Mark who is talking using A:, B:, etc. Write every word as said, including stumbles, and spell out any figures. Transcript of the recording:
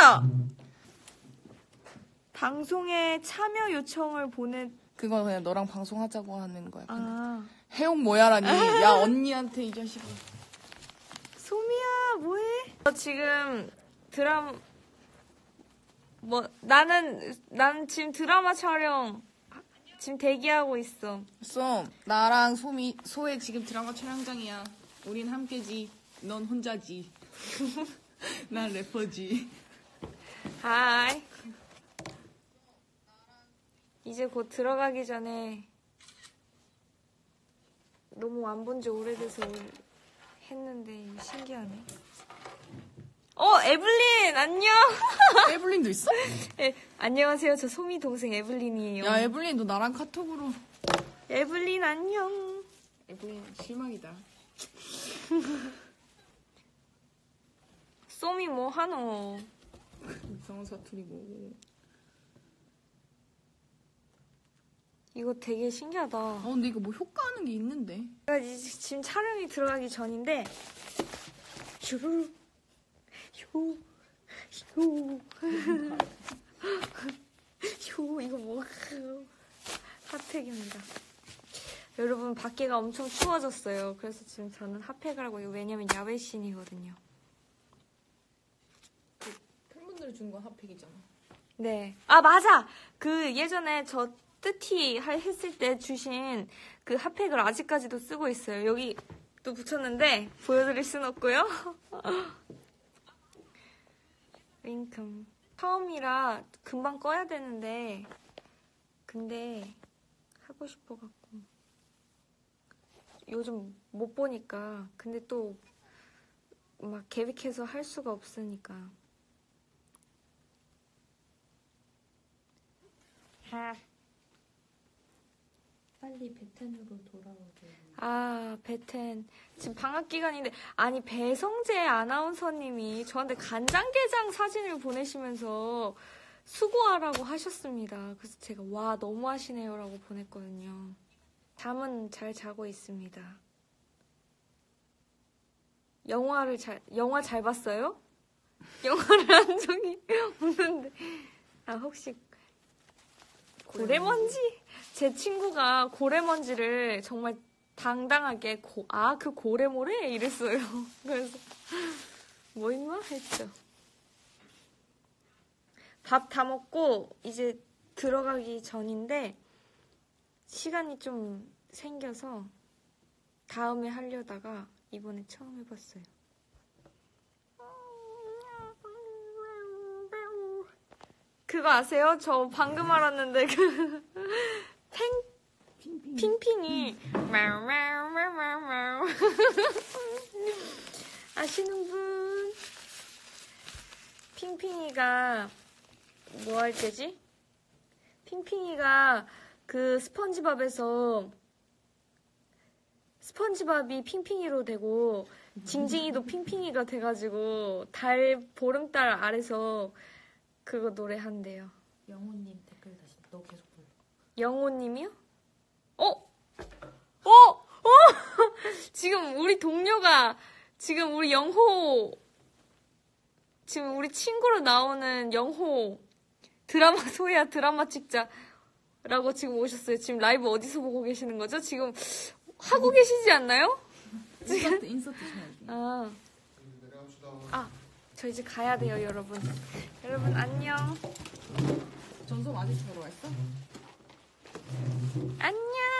A: 소미야! 방송에 참여 요청을 보내.
B: 그건 그냥 너랑 방송하자고 하는 거야.
A: 아.
B: 해옥 뭐야라니. 야, 언니한테 이 자식아.
A: 소미야, 뭐해? 너 지금 드라마, 뭐, 나는, 나는 지금 드라마 촬영, 지금 대기하고 있어.
B: 썸, 나랑 소미, 소혜 지금 드라마 촬영장이야. 우린 함께지. 넌 혼자지. 난 래퍼지.
A: 하이. 이제 곧 들어가기 전에 너무 안 본 지 오래돼서 했는데 신기하네. 어, 에블린 안녕.
B: 에블린도 있어?
A: 네, 안녕하세요. 저 소미 동생 에블린이에요.
B: 야, 에블린 너 나랑 카톡으로.
A: 에블린 안녕.
B: 에블린 실망이다.
A: 소미 뭐 하노?
B: 이상한 사투리 뭐고.
A: 이거 되게 신기하다.
B: 어, 근데 이거 뭐 효과하는 게 있는데.
A: 제가 이제 지금 촬영이 들어가기 전인데 휴, 휴, 휴, 휴, 이거 뭐 핫팩입니다. 여러분 밖에가 엄청 추워졌어요. 그래서 지금 저는 핫팩을 하고 있고 왜냐면 야외신이거든요.
B: 팬분들이 준 건 핫팩이잖아.
A: 네. 아 맞아. 그 예전에 저 뜨티 했을 때 주신 그 핫팩을 아직까지도 쓰고 있어요. 여기 또 붙였는데 보여드릴 순 없고요. 윙큼. 처음이라 금방 꺼야 되는데 근데 하고 싶어갖고 요즘 못 보니까 근데 또 막 계획해서 할 수가 없으니까. 하.
C: 빨리 베텐으로 돌아오게.
A: 아, 베텐. 지금 방학 기간인데, 아니, 배성재 아나운서님이 저한테 간장게장 사진을 보내시면서 수고하라고 하셨습니다. 그래서 제가, 와, 너무 하시네요. 라고 보냈거든요. 잠은 잘 자고 있습니다. 영화를 잘, 영화 잘 봤어요? 영화를 한 적이 없는데. 아, 혹시, 고래먼지? 제 친구가 고래먼지를 정말 당당하게 고, 아, 그 고래모래? 이랬어요. 그래서 뭐 임마? 했죠. 밥 다 먹고 이제 들어가기 전인데 시간이 좀 생겨서 다음에 하려다가 이번에 처음 해봤어요. 그거 아세요? 저 방금 알았는데 그 팽 핑핑이 아시는 분? 핑핑이가 뭐 할 때지? 핑핑이가 그 스펀지밥에서 스펀지밥이 핑핑이로 되고 징징이도 핑핑이가 돼가지고 달 보름달 아래서 그거 노래한대요.
C: 영호님 댓글 다시 너 계속 불러.
A: 영호님이요? 어? 어? 어? 지금 우리 동료가 지금 우리 영호 지금 우리 친구로 나오는 영호 드라마 소야 드라마 찍자 라고 지금 오셨어요. 지금 라이브 어디서 보고 계시는 거죠? 지금 하고 계시지 않나요?
B: 인서트 인서트 쳐야지.
A: 아. 아. 저 이제 가야 돼요, 여러분. 여러분, 안녕.
B: 전송 아직 들어와 있어?
A: 안녕.